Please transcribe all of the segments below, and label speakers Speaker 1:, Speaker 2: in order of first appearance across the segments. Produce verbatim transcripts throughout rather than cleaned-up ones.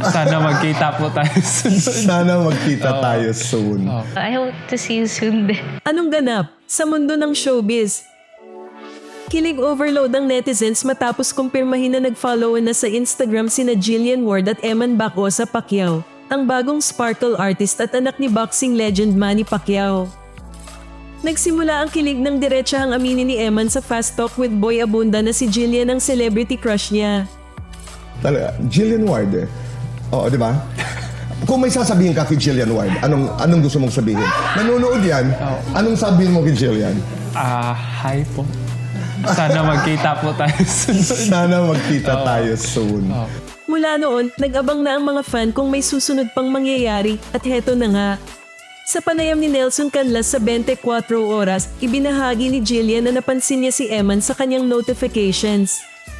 Speaker 1: Sana magkita po tayo soon.
Speaker 2: Sana magkita
Speaker 1: Oo.
Speaker 2: tayo soon.
Speaker 1: Oo.
Speaker 3: I hope to see you soon din.
Speaker 4: Anong ganap sa mundo ng showbiz? Kilig overload ang netizens matapos kumpirmahin na nag-follow na sa Instagram sina Jillian Ward at Eman Bacosa Pacquiao, ang bagong sparkle artist at anak ni boxing legend Manny Pacquiao. Nagsimula ang kilig ng diretsahang aminin ni Eman sa Fast Talk with Boy Abunda na si Jillian ang celebrity crush niya.
Speaker 2: Talaga, Jillian Ward eh. Oo, di ba? Kung may sasabihin ka kay Jillian Ward, anong anong gusto mong sabihin? Nanonood yan, anong sabihin mo kay Jillian?
Speaker 1: Ah, hi po. Sana magkita po tayo soon.
Speaker 2: Sana magkita tayo soon.
Speaker 1: Oo.
Speaker 4: Mula noon, nag-abang na ang mga fan kung may susunod pang mangyayari at heto na nga. Sa panayam ni Nelson Canlas sa twenty-four oras, ibinahagi ni Jillian na napansin niya si Eman sa kanyang notifications.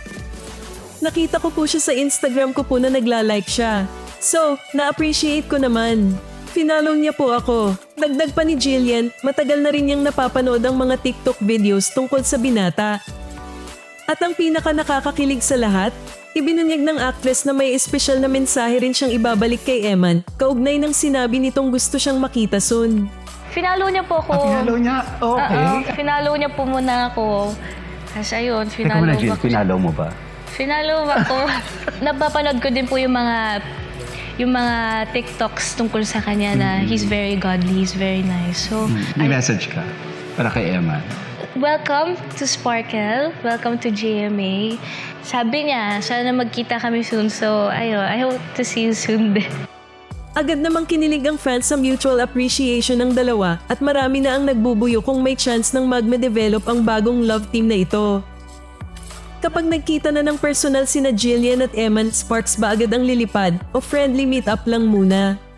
Speaker 4: Nakita ko po siya sa Instagram ko po na nagla-like siya. So, na-appreciate ko naman. Finalo niya po ako. Dagdag pa ni Jillian, matagal na rin niyang napapanood ang mga TikTok videos tungkol sa binata. At ang pinaka nakakakilig sa lahat, ibinunyag ng actress na may espesyal na mensahe rin siyang ibabalik kay Eman, kaugnay ng sinabi nitong gusto siyang makita soon.
Speaker 3: Finalo niya po ako.
Speaker 5: Ah, pinalo niya? Okay.
Speaker 3: Oo, finalo niya po muna ako. Kasi ayun,
Speaker 5: Teka
Speaker 3: finalo
Speaker 5: muna, Jill,
Speaker 3: ako.
Speaker 5: pinalo mo ba?
Speaker 3: Finalo ako. Napapanood ko din po yung mga yung mga TikToks tungkol sa kanya na he's very godly, he's very nice. So,
Speaker 5: May
Speaker 3: I-
Speaker 5: message ka para kay Eman.
Speaker 3: welcome to Sparkle. Welcome to G M A. Sabi niya, sana magkita kami soon. So, ayun, I hope to see you soon din.
Speaker 4: Agad namang kinilig ang fans sa mutual appreciation ng dalawa at marami na ang nagbubuyo kung may chance ng magme-develop ang bagong love team na ito. Kapag nagkita na ng personal sina Jillian at Eman, sparks ba agad ang lilipad o friendly meet-up lang muna?